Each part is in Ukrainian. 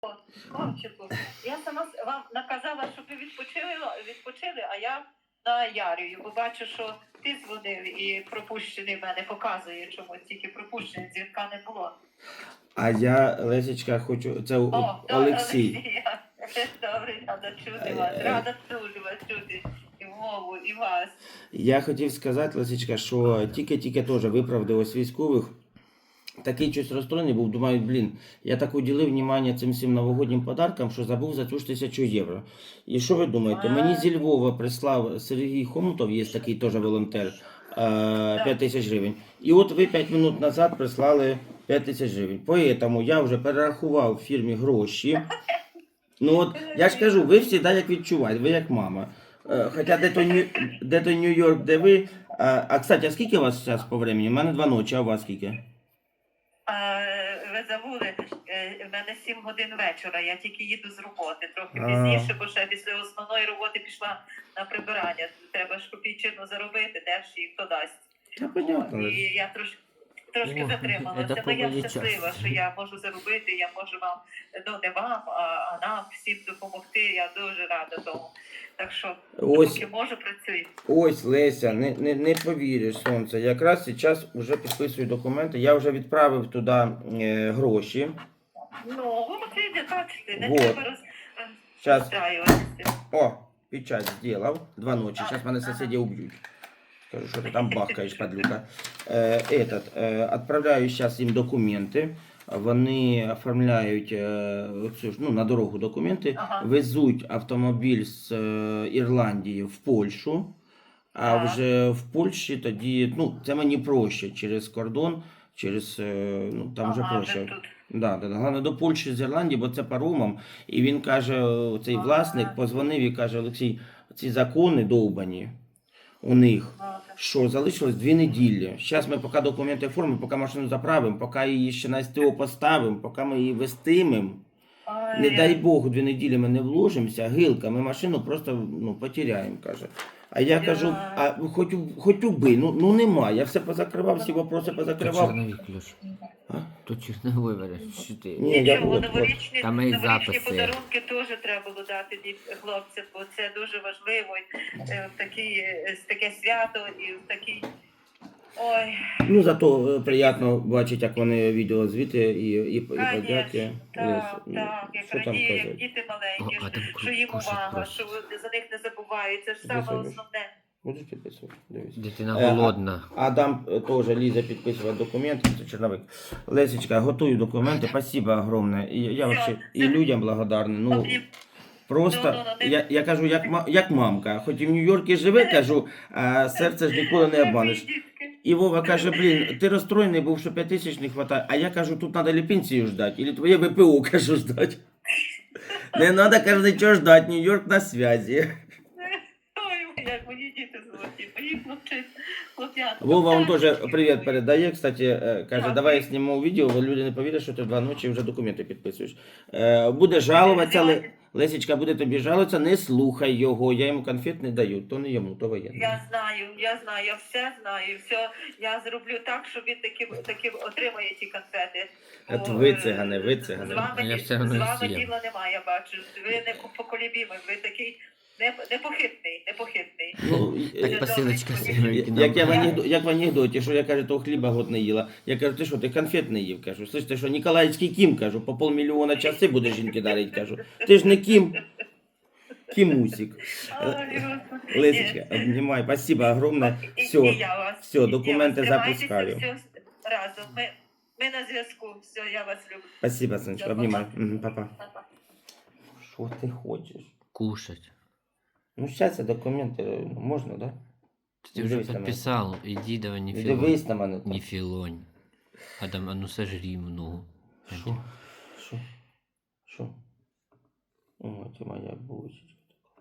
Хлопчику, я сама вам наказала, щоб ви відпочили, а я на Ярію, бо бачу, що ти дзвонив і пропущений в мене показує чомусь, тільки пропущений, дзвінка не було. А я, Лесечка, хочу... Це Олексій. Добре, рада чути вас, рада дуже вас чути. І мову, і вас. Я хотів сказати, Лесечка, що тільки теж виправдалось військових. Такий щось розстроєний був, думаю, блін, я так уділив внимання цим всім новогоднім подаркам, що забув за цю ж 1000 євро. І що ви думаєте, мені зі Львова прислав Сергій Хомутов, є такий теж волонтер, 5000 гривень. І от ви 5 минут назад прислали 5000 гривень. Поэтому я вже перерахував фірмі гроші. Ну от, я ж кажу, ви всі як відчуваєте, ви як мама. Хоча де то Нью-Йорк, де ви. А кстати, а скільки у вас зараз по времени? У мене 2 ночі, а у вас скільки? Ви забули, в мене 7 годин вечора, я тільки їду з роботи, трохи пізніше, бо ще після основної роботи пішла на прибирання. Треба ж копійчину заробити, де ж і хто дасть. Понятно. І я трошки затрималася, але я щаслива, що я можу заробити, я можу вам, ну не вам, а нам всім допомогти, я дуже рада тому. Так що, поки можу, працюю. Ось, Леся, не повіриш, сонце. Якраз зараз вже підписую документи, я вже відправив туди гроші. Ну, ви бачите, не треба розстраюватися. О, печать зробив, 2 ночі, зараз мене сусіди уб'ють. Скажу, що ти там бахкаєш, падлюка. Відправляю зараз їм документи. Вони оформляють на дорогу документи, везуть автомобіль з Ірландії в Польщу, а вже в Польщі тоді, це мені проще через кордон, там вже проще. Головне до Польщі з Ірландії, бо це паромом. І він каже, цей власник позвонив і каже, Олексій, ці закони довбані у них. Що залишилось 2 неділі. Зараз ми поки документи оформимо, поки машину заправимо, поки її ще на СТО поставимо, поки ми її вестимемо. Не дай Бог, 2 неділі ми не вложимося, гилка, ми машину просто потеряємо, каже. А я кажу, а хоч уби, нема, я все позакривав, всі вопроси позакривав. Черновик, Леш. Тут черновий варіант, що ти. Нічого, новорічні подарунки теж треба було дати хлопцям, бо це дуже важливо в таке свято і в такий... Ой. Зато приємно бачити, як вони відео звіти і подяки. Так, як радіє, як діти маленькі, що їм увага, що за них не забувають, це ж саме основне. Будеш підписувати? Дивись. Дитина голодна. Адам теж лізе підписувати документи, це черновик. Лесечка, готую документи, спасибо огромне. Я вообще і людям благодарний. Просто, я кажу, як мамка, хоч і в Нью-Йорку живе, кажу, а серце ж ніколи не обманеш. І Вова каже, блін, ти розстроєний був, що 5000 не вистачає, а я кажу, тут треба ли пенсію ждати, або твоє ВПО, кажу, ждати. Не треба, кажу, нічого ждати, Нью-Йорк на зв'язі. Ой, як мої діти золоті, мої хлопчата. Вова вам теж привіт передає, кстати, каже, давай я зніму відео, бо люди не повірять, що ти 2 ночі вже документи підписуєш. Буде жалуватися, Лесечка буде тобі жалуватися, не слухай його, я йому конфет не даю, то не йому, то воєнний. Я знаю, я все знаю, я зроблю так, що він таки отримає ті конфети. От ви цигани. З вами діла немає, я бачу, ви непоколебімі, ви такий непохитний. Так посилочка. Як в анекдоті, що я кажу, того хліба год не їла. Я кажу, ти що, ти конфет не їв, кажу. Слышь, ти що, Ніколаївський Кім, кажу, по 500 000 часи буде жінки дарить, кажу. Ти ж не Кім. Кімусик. Лесечка, обнімай, спасибо огромне. Все, документи запускаю. Разом, ми на зв'язку, все, я вас люблю. Спасибо, сонечко, обнімай. Папа. Що ти хочеш? Кушать. Сейчас документы можно, да? Ты уже подписал, иди давай не филонь. Дивись на мене. Не филонь. Адам, а ну сожри много. Шо? О, ты моя бусечка.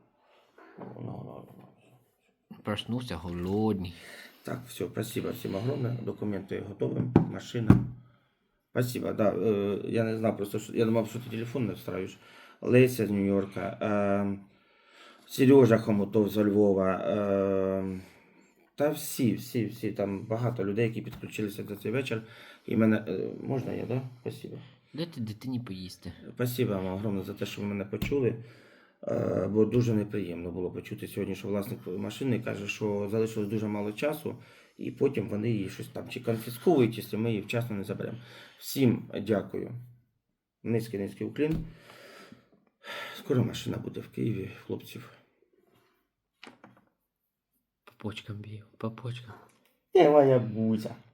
Проснулся голодный. Так, все, спасибо всем огромное. Документы готовы, машина. Спасибо, да. Я не знал, просто я думал, что ты телефон настраиваешь. Леся з Нью-Йорка. Сережа Хомутов з Львова, та всі, там багато людей, які підключилися до цей вечір. І мене, можна я, да? Спасибо. Дайте дитині поїсти. Спасибо вам огромне за те, що ви мене почули. Бо дуже неприємно було почути сьогодні, що власник машини каже, що залишилось дуже мало часу, і потім вони її щось там чи конфісковують, якщо ми її вчасно не заберемо. Всім дякую. Низький уклін. Скоро машина буде в Києві, хлопців. По почкам б'ю, по почкам. Моя бузя.